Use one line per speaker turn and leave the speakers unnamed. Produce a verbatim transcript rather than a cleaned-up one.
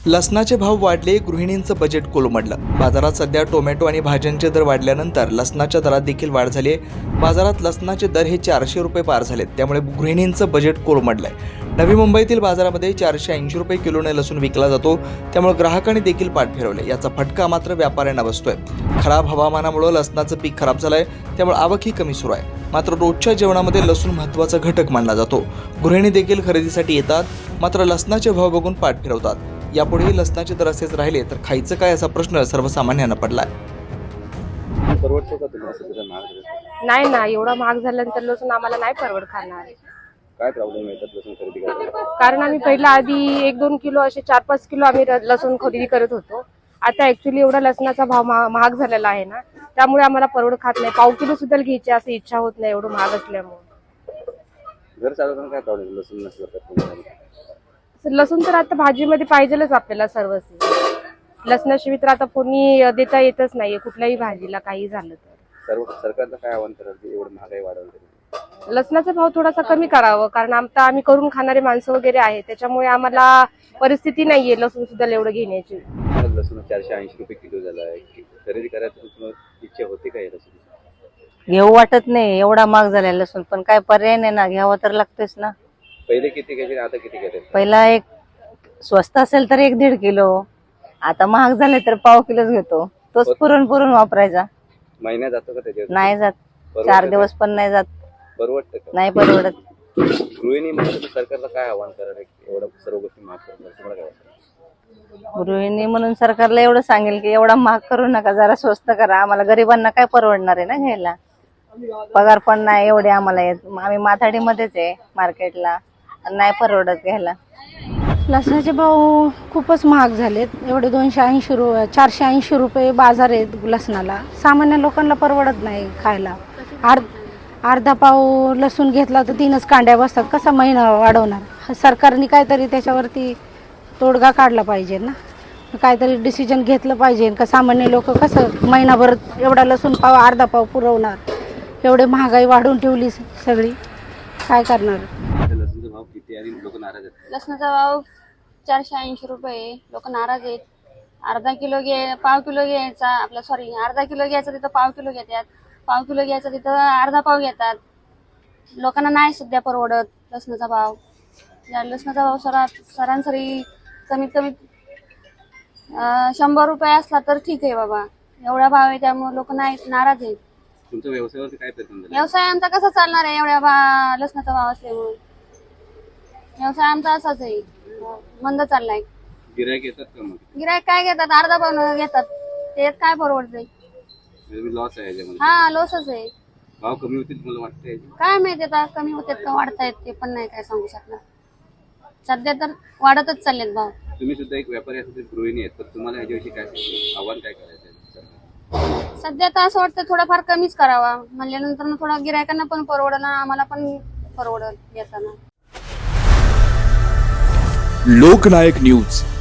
लसणाचे भाव वाढले, गृहिणींचं बजेट कोलमडलं। बाजारात सध्या टोमॅटो आणि भाज्यांचे दर वाढल्यानंतर लसणाच्या दरात देखील वाढ झाली आहे। बाजारात लसणाचे दर हे चारशे रुपये पार झालेत, त्यामुळे गृहिणींचं बजेट कोलमडलंय। नवी मुंबईतील बाजारामध्ये चारशे ऐंशी रुपये किलोने लसूण विकला जातो, त्यामुळे ग्राहकांनी देखील पाठ फिरवले। याचा फटका मात्र व्यापाऱ्यांना बसतोय। खराब हवामानामुळे लसणाचं पीक खराब झालंय, त्यामुळे आवकही कमी सुरू आहे। मात्र रोजच्या जेवणामध्ये लसूण महत्त्वाचा घटक मानला जातो। गृहिणी देखील खरेदीसाठी येतात, मात्र लसणाचे भाव बघून पाठ फिरवतात। यापुढेही लसणाचे दर असेच राहिले तर खायचं काय असा प्रश्न सर्वसामान्यांना पडलाय।
नाही ना, एवढा महाग झाल्यानंतर लसूण आम्हाला नाही परवड खाणार।
काय प्रॉब्लेम येतात लसूण खरेदी करायला?
कारण आम्ही पहिला आधी एक दोन किलो असे चार पाच किलो आम्ही लसूण खरेदी करत होतो। आता ऍक्च्युली एवढा लसणाचा भाव महाग झालेला आहे ना, त्यामुळे आम्हाला परवड खात नाही। पाव किलो सुद्धा घ्यायची अशी इच्छा होत नाही, एवढं महाग असल्यामुळे।
घर चालवताना काय प्रॉब्लेम लसूण नसलं?
लसूण तर आता भाजीमध्ये पाहिजेलच आपल्याला सर्वच। लसणाशिवाय तर आता कोणी देता येतच नाहीये कुठल्याही भाजीला, काही झालं तर।
सर्व सरकारला काय आव्हान कराल एवढं महागाई वाढवली?
लसणाचा भाव थोडासा कमी करावा, कारण आता आम्ही करून खाणारे माणसं वगैरे आहे, त्याच्यामुळे आम्हाला परिस्थिती नाहीये लसूण सुद्धा एवढं घेण्याची।
लसूण चारशे ऐंशी रुपये किलो झाला आहे, खरेदी करायची इच्छा होते का? लसूण
घेऊ वाटत नाही, एवढा महाग झाला लसूण, पण काय पर्याय नाही ना, घ्यावं तर लागतेच ना।
पहिले किती घ्यायचे, आता किती घेतात?
पहिला एक स्वस्त असेल तर एक दीड किलो, आता महाग झाले तर पाव किलोच घेतो, तोच पुरून पुरून वापरायचा।
महिना जातो का त्याच्यात?
नाही जात, चार दिवस पण नाही जात।
परवडत का?
नाही परवडत।
गृहिणी म्हणून सरकारला काय आव्हान कराल एवढं सर्व गोष्टी महाग करतात? तुम्हाला काय वाटतं?
गृहिणी म्हणून सरकारला एवढं सांगेल की एवढा महाग करू नका, जरा स्वस्त करा। आम्हाला गरिबांना काय परवडणार आहे ना घ्यायला, पगार पण नाही एवढे आम्हाला येत, आम्ही माथाडीमध्येच आहे मार्केटला, नाही परवडत घ्यायला।
लसणाचे भाव खूपच महाग झालेत, एवढे दोनशे ऐंशी रु चारशे ऐंशी रुपये बाजार आहेत लसणाला। सामान्य लोकांना परवडत नाही खायला। अर्ध अर्धा पाव लसूण घेतला तर तीनच कांड्या बसतात, कसा महिना वाढवणार? सरकारने काहीतरी त्याच्यावरती तोडगा काढला पाहिजे ना, काहीतरी डिसिजन घेतलं पाहिजे का सामान्य लोक कसं महिनाभर एवढा लसूण पाव अर्धा पाव पुरवणार? एवढे महागाई वाढवून ठेवली सगळी, काय करणार?
लसूणचा भाव किती आणि लोक नाराज आहेत?
लसणाचा भाव चारशे ऐंशी रुपये, लोक नाराज आहेत। अर्धा किलो घे पाव किलो घ्यायचा आपला सॉरी अर्धा किलो घ्यायचा तिथं पाव किलो घेतात, पाव किलो घ्यायचा तिथं अर्धा पाव घेतात। लोकांना नाही सध्या परवडत लसणाचा भाव। या लसणाचा भाव सरा सरासरी कमीत कमी शंभर रुपये असला तर ठीक आहे बाबा, एवढा भाव आहे त्यामुळे लोक नाही नाराज आहेत।
तुमच्या व्यवसायावरती काय परिणाम झाला?
व्यवसाय आमचा कसा चालणार आहे एवढ्या भा लसणाचा भाव असल्यामुळे? व्यवसाय आमचा असाच आहे, मंद चाललाय।
गिरायक येतात का मग?
गिरायक काय घेतात, अर्धा पाव घेतात, ते काय परवडतंय?
लॉस आहे याच्यामध्ये?
हा लॉसच आहे।
भाव कमी होतील मला वाटतंय?
काय माहिती आता कमी होतात का वाढतायत ते पण नाही काय सांगू शकणार। सध्या तर वाढतच चाललेत भाव।
तुम्ही सुद्धा एक व्यापारी असतील, गृहिणी आहेत, तर तुम्हाला ह्याच्याविषयी काय आव्हान काय करायचं?
सध्या तर असं वाटतं थोडाफार कमीच करावा, म्हणल्यानंतर थोडा गिरायकांना पण परवडल, आम्हाला पण परवडल येताना।
लोकनायक न्यूज।